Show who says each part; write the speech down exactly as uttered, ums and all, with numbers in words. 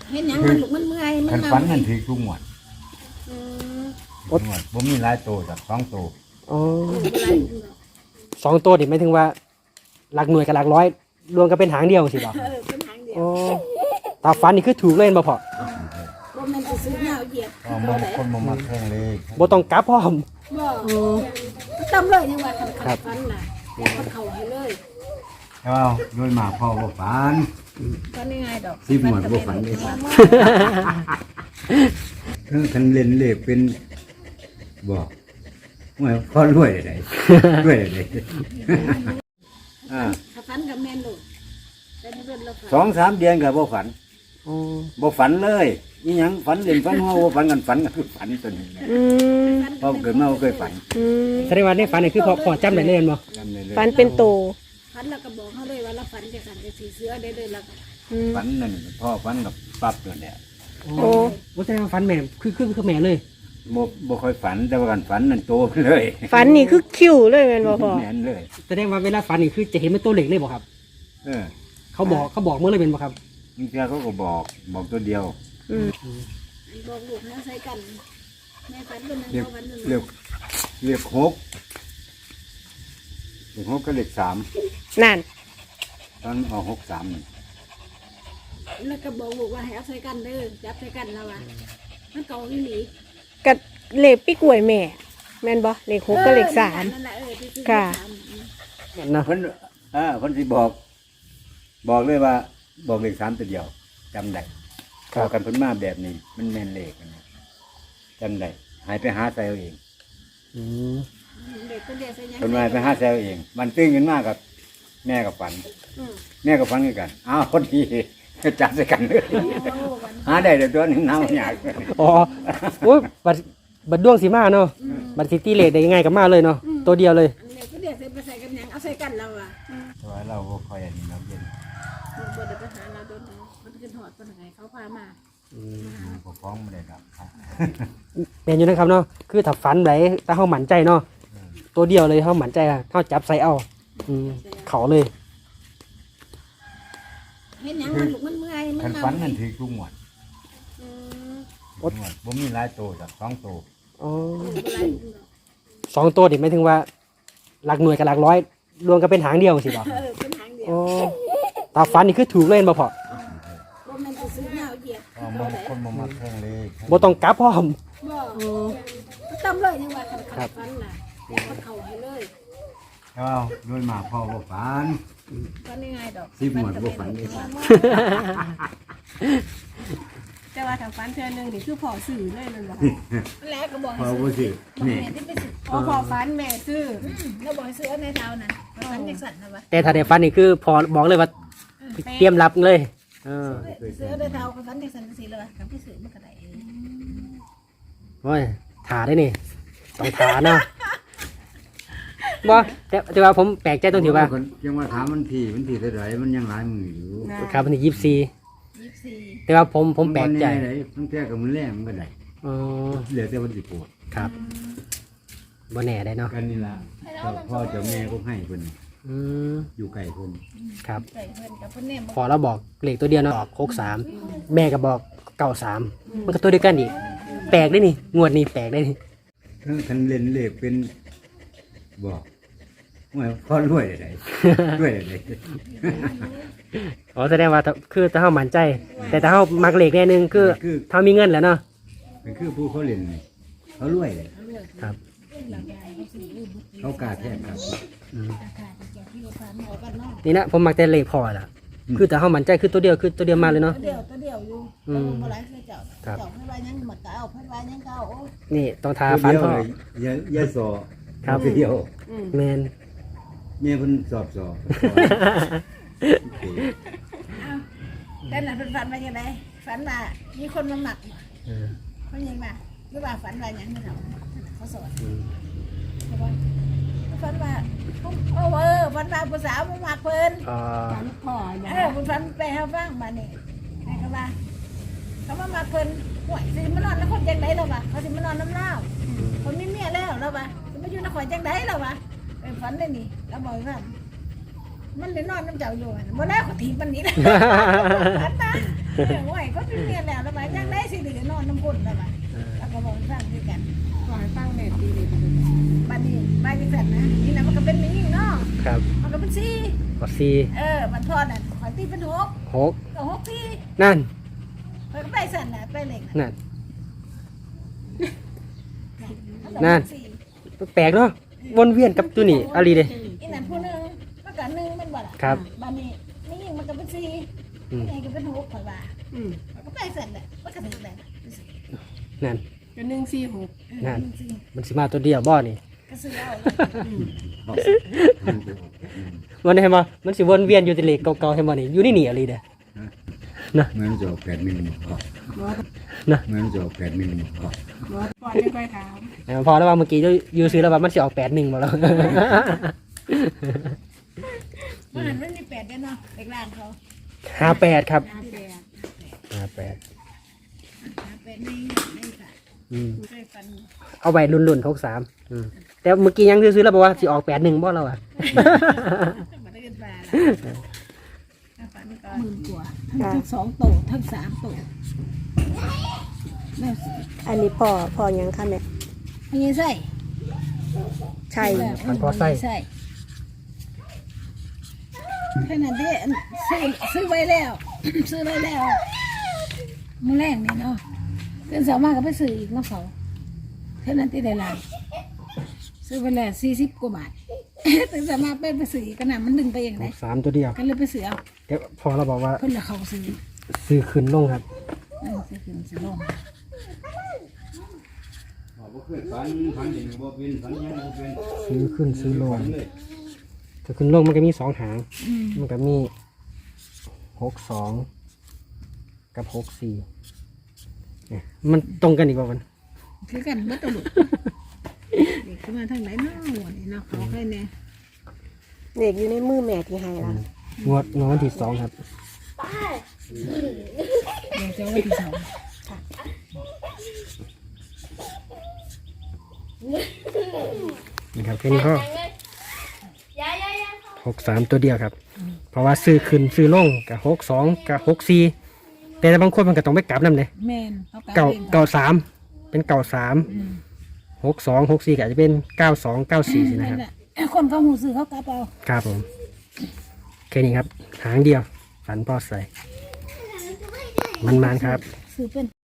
Speaker 1: เห็นยังมันลูกมันเมื่อยมัน
Speaker 2: ฝันมันถือทุกงวด
Speaker 1: อืม
Speaker 2: ทุกงวดบ่มีหลายโตจากสองโต
Speaker 3: อ๋อ
Speaker 1: อะไร
Speaker 3: สองตัวนี่หมายถึงว่าหลักหน่วยกับหลักร้อยรวมกันเป็นหางเดียวสิบ่
Speaker 1: เออเป็นหางเดียว
Speaker 3: อ๋อตาฟันนี่คือถูกเล่นบ่พอ
Speaker 1: บ่แม่นสิซื้อเหงาเหยียบ
Speaker 2: ก็มันคนบ่มักแข่งเลย
Speaker 3: บ่ต้องกลับพร้อม
Speaker 1: บ่ต้องเลยยังว่าคันคันฟันน่ะมันเข้าให้เลย
Speaker 2: แต่ว่าโดยมากพ่อบ่ฝัน
Speaker 1: ฟันยังไงดอก
Speaker 2: สิบหมวดบ่ฝันเลย คือคันเล่นเลขเป็นบ่ว่าพอรวยได้รวยได้อ่า
Speaker 1: ถ้าฟันกับแม่นลูกแต่นี่เพิ่นเราฝัน
Speaker 2: สองสามเดือนก็บ่ฝัน
Speaker 3: อ๋อ
Speaker 2: บ่ฝันเลยอีหยังฝันเล่นฝันหัวบ่ฝันกันฝันก็คือฝันตัวนี้
Speaker 4: อืม
Speaker 2: พอเกิดมาบ่เคยฝัน
Speaker 4: อืม
Speaker 3: แสดงว่าในฝันนี่คือพอพอจำได้เลยแม่นบ่
Speaker 2: จำได้เลย
Speaker 4: ฝันเป็นโต
Speaker 1: ฟันแล้วก็บอกเขาเลยว่าเราฝันจะสั่นจะสีเสื้อได้เลยแล้วก็
Speaker 4: อืม
Speaker 2: ฝันนั่นพ่อฝันกับปั๊บตัวเนี่ย
Speaker 3: โอ้บ่แสดงว่าฝันแม่คือคือคือแม่เลย
Speaker 2: บ่บ่ค่อยฝันแต่ว่ากันฝันนั่นโตเลย
Speaker 4: ฝันนี่คือคิวเลยแม่นบ่พ่อ
Speaker 2: แม่นเลย
Speaker 3: แสดงว่าเวลาฝันนี่คือจะเห็นเป็นตัวเล็กเลยบ่ครับ
Speaker 2: เออ
Speaker 3: เขาบอกเขาบอกเมื่อเลยเป็นบ่ครับ
Speaker 2: บางทีเขาก็บอกบอกตัวเดียว
Speaker 4: อืม
Speaker 1: บอกลูกนะใส่กันแม่ฝันเป็นนึง
Speaker 2: เรียก
Speaker 1: เขาฝันหนึ่ง
Speaker 2: เรียกเรียกหกเรียกหกก็เรียกสาม
Speaker 4: นั่น
Speaker 2: ตอนออกหกสามนี่
Speaker 1: แล้วก็บอกลูกว่าให้เอาใส่กันเด้อจับใส่กันแล้วว่ามันเก่าอีหลี
Speaker 4: กับเลขปีกล้วยแม่ แม่นบ่เลขหกกับเลขสาม
Speaker 1: นั่นแหละเออที่ซื้อ
Speaker 4: ค่ะ
Speaker 1: สาม
Speaker 3: แม่นเนาะ
Speaker 2: เพิ่นอ่าเพิ่นสิบอก บอกเลยว่า บอกเลขสามตัวเดียวจำได้เข้ากันเพิ่นมาแบบนี้ มันแม่นเลขอันนี้จำได้หายไปหาใส่เอาเอง
Speaker 3: อืม
Speaker 1: เด็กก็เด็กใส่ยัง
Speaker 2: เพิ่นมาไปหาใส่เอาเอง มันตื้นขึ้นมากับแม่กับฝัน
Speaker 1: อืม
Speaker 2: แม่กับฝันคือกันอ้าวคนดีจับใส่กันเลย
Speaker 1: โอ้วัน
Speaker 2: หาได้แต่ตัวหนึงน้ำยาก
Speaker 3: อ๋อโอ้ยบัดบัดดวงสิมาเนาะบัดสิตีเลขได้ยังไงก็มาเลยเนาะตัวเดียวเลย
Speaker 1: อันเด็กก็เด็กใส่ไปใส่กันยังเอาใส่กันแล้วอ่ะ
Speaker 2: แต่ว่าเราก็คอยอันนี้เราเย็น
Speaker 1: บ่ได้ไปหาเราโดนเอามันขึ้นหอดปัญหาเขาพามา
Speaker 2: ก็ฟ้องไม่ได้ครับ
Speaker 3: แม่นอยู่นะครับเนาะคือถ้าฝันไหนถ้าเฮาหมั่นใจเนาะตัวเดียวเลยเฮาหมั่นใจอะเฮาจับใส่เอาอืมเขาเลย
Speaker 1: เห็นยังมันลูกมันเมื่อยมัน
Speaker 2: คัน
Speaker 1: เมา
Speaker 2: ฝันนั่นถือทุกงวด
Speaker 1: อืม
Speaker 2: ทุกงวดบ่มีหลายโตจากสองโต
Speaker 3: อ๋อ
Speaker 1: บ่ไร
Speaker 3: สองตัวนี่หมายถึงว่าหลักหน่วยกับหลักร้อยรวมกันเป็นหางเดียวสิบ่
Speaker 1: เออเป็นหางเดียว
Speaker 3: อ๋อตาฟันนี่คือถูกเล่นบ่พอ
Speaker 1: บ่แม่นสิซื้อเหงาเหยียบ
Speaker 2: ก็มันคนบ่มักแข่งเลย
Speaker 3: บ่ต้องกลับพร้อม
Speaker 1: บ่ต้องเลยยังว่าคันคันฟันน่ะมันเข้าให้เลย
Speaker 2: ก็โดยมากพ่อบ่ฝัน
Speaker 1: ฟันยังไงดอก
Speaker 2: สิบหมวดบ่ฝันเลย
Speaker 5: แต่ว่าถ้าฟันเทื่อหนึงนี่คือพอสื่อเลยมันบอก
Speaker 1: แล้วก็บอก
Speaker 2: พ่
Speaker 1: ให้
Speaker 2: อ
Speaker 1: ซื้อ
Speaker 2: บ่สิ
Speaker 1: บอก
Speaker 2: นี่
Speaker 1: แม่ที่ไปซื้อ
Speaker 5: พอพอฟันแม่ซื้อ
Speaker 1: อืมแล้วบอกให้ซื้อในเท้าน่ะฟันจังสั่นนะวะ
Speaker 3: แต่ถ้าได้ฟันนี่คือพอบอกเลยว่าเตรียมรับเลยเออ
Speaker 1: ซื้อในเท้าฟันจังสั่นจังซี่เลยวะกับพี่ซื้อมันก็ได้เอง
Speaker 3: โอ้ยถาได้นี่ต้องถาเนาะบ่แต่แต่ว่าผมแปลกใจตรงที่ว่า
Speaker 2: ยังว่าถามมันที่มันที่เท่าไหร่มันยังหลายมืออยู่
Speaker 3: ครับวันที่ยี่สิบสี่
Speaker 1: ยี่สิบสี่
Speaker 3: แต่ว่าผมผมแปลกใจ
Speaker 2: มันบ่แน่เลยมันแท้กับมันแรงมันก็ได้
Speaker 3: อ๋อ
Speaker 2: เหลือแต่วันสิปวด
Speaker 3: ครับบ่แน่ได้เนาะ
Speaker 2: กันนี่ล่ะเจ้าพ่อเจ้าแม่ก็ให้เพิ่น
Speaker 3: อืม
Speaker 2: อยู่ใกล้เพิ่น
Speaker 3: ครับ
Speaker 1: ใส่เพิ่นกับเพิ่นเนี่ย
Speaker 3: พอเราบอกเลขตัวเดียวเนาะออกโคกสามแม่ก็บอกเก้าสามมันก็ตัวเดียวกันอีกแปลกได้นี่งวดนี้แปลกได้นี่
Speaker 2: คือคันเล่นเลขเป็นบอกว่าพอรวยได้รวยได้
Speaker 3: อ๋อแสดงว่าถ้าคือถ้าเฮามั่นใจ แต่ถ้าเฮามักเลขแน่นึงคือถ้ามีเงินแล้วเนาะ
Speaker 2: เป็นคือผู้เขาเล่นนี่เขารวยเลย
Speaker 3: ครับ
Speaker 2: เขากล้าแท้ครับ
Speaker 3: นี่นะผมมักแต่เลขพอล่ะคือถ้าเฮามั่นใจคือตัวเดียวคือตัวเดียวมาเลยเนาะ
Speaker 1: ตัวเดียวตัวเดียวอยู่
Speaker 3: อืม
Speaker 1: บ่หลายคือเจ้า
Speaker 3: ครับ
Speaker 1: เจ้าเพิ่นว่ายังหมดก็เอาเพิ่นว่ายังก็เอาโอ้ย
Speaker 3: นี่ต้องทาฟัน
Speaker 2: เดียว
Speaker 3: พ่อ
Speaker 2: เลยยายายสอ
Speaker 3: ครับ
Speaker 2: เดียว
Speaker 3: แมน
Speaker 2: แม่เพิ่นสอบสอบ
Speaker 1: แต่น่ะเพิ่นฝันว่าจังได๋ฝันว่ามีคนมาหมัก
Speaker 3: เออ
Speaker 1: เพิ่นยังว่าหรือว่าฝันว่าหยังไม่รู้เขาสอน
Speaker 3: อืม
Speaker 1: เขาว่าฝันว่าโอ้เออฝันว่าผู้สาวมาหมักเพิ่น
Speaker 3: อ่า
Speaker 5: ฟันพ่ออย่า
Speaker 1: เออคุณฝันไปหาฟังมานี่แม่ก็ว่าเขามาหมักเพิ่นห่วยสิมานอนแล้วคนจังได๋แล้ววะเขาสิมานอนน้ำเล่าคนมีเมียแล้วแล้ววะสิมาอยู่นครจังได๋แล้ววะไปฝันได้นี่แล้วบอกว่ามันได้นอนน้ำเจ้าอยู่บ่ได้ขอทีมันนี่แหละฝันนะเออไหวก็มีเมียแล้วแล้วมายังได้สิเหลือนอนน้ำคนแล้วมาแล้วก็บอกสร้างด้วยกัน
Speaker 5: ขอให้ฟังแม่ตีเลย
Speaker 1: บัดนี้บายจังสันนะนี่นะมันก็เป็นไม่ยิ่งเนาะ
Speaker 3: ครับ
Speaker 1: มันก็เป็นสี่
Speaker 3: ขอสี่
Speaker 1: เออมันทอดน่ะขอตีเป็นหก
Speaker 3: หก
Speaker 1: ก็หกที่
Speaker 3: นั่น
Speaker 1: มันก็ไปสั่นน่ะไปเหล็กน่ะ
Speaker 3: นั่น นั่น
Speaker 1: สี่
Speaker 3: แปลกเนาะวนเวียนกับตัวนี้อะไรเด้
Speaker 1: อีนั่นผู้หนึงมันก็หนึ่งมันบ่ล่ะ
Speaker 3: ครับ
Speaker 1: บัดนี้ไม่ยิ่งมันก็เป็นสี่
Speaker 3: อืม
Speaker 1: ไม่ยิ่งก็เป็นหกข่อยว่า
Speaker 5: อืม
Speaker 1: มันก็ไปสั่นน่ะมันก็ถึงแล้วน่ะ
Speaker 3: นั่น
Speaker 5: ก็หนึ่งสี่หก
Speaker 3: นั่น
Speaker 1: เออสี่
Speaker 3: มันสิมาตัวเดียวบ่นี่
Speaker 1: ก็ซื้อเอา
Speaker 3: มันเห็นบ่มันสิวนเวียนอยู่ที่เลขเก่าๆเห็นบ่นี่อยู่นี่นี่อะไรเด้นะ
Speaker 2: เหมือนจะออกแปดมิลลิเมตรพอ
Speaker 5: บอส
Speaker 3: นะ
Speaker 2: เหมือนจะออกแปดมิลลิเมตรพอบ
Speaker 5: อสก่อนจะค่อยถาม
Speaker 3: เออพอแล้วว่าเมื่อกี้อยู่ซื้อแล้วว่ามันสิออกแปดหนึ่งบ่แล้ว
Speaker 1: มันหันมันมีแปดเด้อเนาะเด็กร้านเขา
Speaker 3: ห้าแปดครับ
Speaker 1: ห้าแปด
Speaker 3: ห้าแปด
Speaker 1: ห้าแปดนี่นี่ค่ะ
Speaker 3: อืม
Speaker 1: เคยฟัน
Speaker 3: เอาไว้รุ่นๆหกสามอืมแต่เมื่อกี้ยังซื้อๆแล้วบอกว่าสิออกแปดหนึ่งบ่เราอ่ะ
Speaker 1: มาได้กันมาแล้วฟันก็หมื่นกว่าทั้งสองโตทั้งสามโตแล้ว
Speaker 4: อันนี้พ่อพ่อยังคะแม่
Speaker 1: ไม่ใช่
Speaker 4: ใช่
Speaker 3: มันพอไส้
Speaker 1: ใช่แค่นั้นเด้ซื้อซื้อไว้แล้ว ซื้อไว้แล้วมื้อแรกนี่เนาะเดือนสามารถก็ไปซื้ออีกเนาะเขาแค่นั้นที่ได้หลายซื้อไปแล้วสี่สิบกว่าบาท แต่สามารถไปไปซื้ออีกขนาดมันดึงไปอย่าง
Speaker 3: ห
Speaker 1: ไร
Speaker 3: กสามตัวเดียว
Speaker 1: ก็เลยไปซื้อเอา
Speaker 3: เดี๋ยวพอเราบอกว่า
Speaker 1: เพิ่นละเขาซื้อ
Speaker 3: ซื้อขึ้นลงครับ
Speaker 1: เออซื้อขึ้นซื้อลง
Speaker 2: บ่เคยฝันฝันเห็นบ่เป็นฝันยังบ่เป็น
Speaker 3: ซื้อขึ้นซื้อลงถ้าขึ้นลงมันก็มีสองหาง
Speaker 1: อืม
Speaker 3: มันก็มีหกสองกับหกสี่เนี่ยมันตรงกันอีกว่ามัน
Speaker 1: คือกันเบิดตัวลูกเด็กขึ้นมาทางไหนเนาะหัวนี่เนาะเขาแค่นี้
Speaker 4: เด็กอยู่ในมือแม่ที่ให้ละ
Speaker 3: งวดงวดวันที่สองครับ
Speaker 1: เดี๋ยวจะเอาไว้ที่สอง
Speaker 3: นี่ครับแค่นี้ก็หกสามตัวเดียวครับ เพราะว่าซื้อขึ้นซื้อลงกับหกสองกับหกสี่แต่บางคนมันก็ต้องไปกลับนั่นเลย
Speaker 1: แม่นเขา
Speaker 3: เก่า
Speaker 1: เอง
Speaker 3: เก่าสามเป็นเก่าสาม
Speaker 1: อืม
Speaker 3: หกสองหกสี่ก็อาจจะเป็นเก้าสองเก้าสี่นะครับ
Speaker 1: นั่นแหละคนเขาหูซื้อเขากลับเอา
Speaker 3: ครับผมแค่นี้ครับหางเดียวฝันพอใส่มันมันๆครับ
Speaker 1: ซื้อเป็น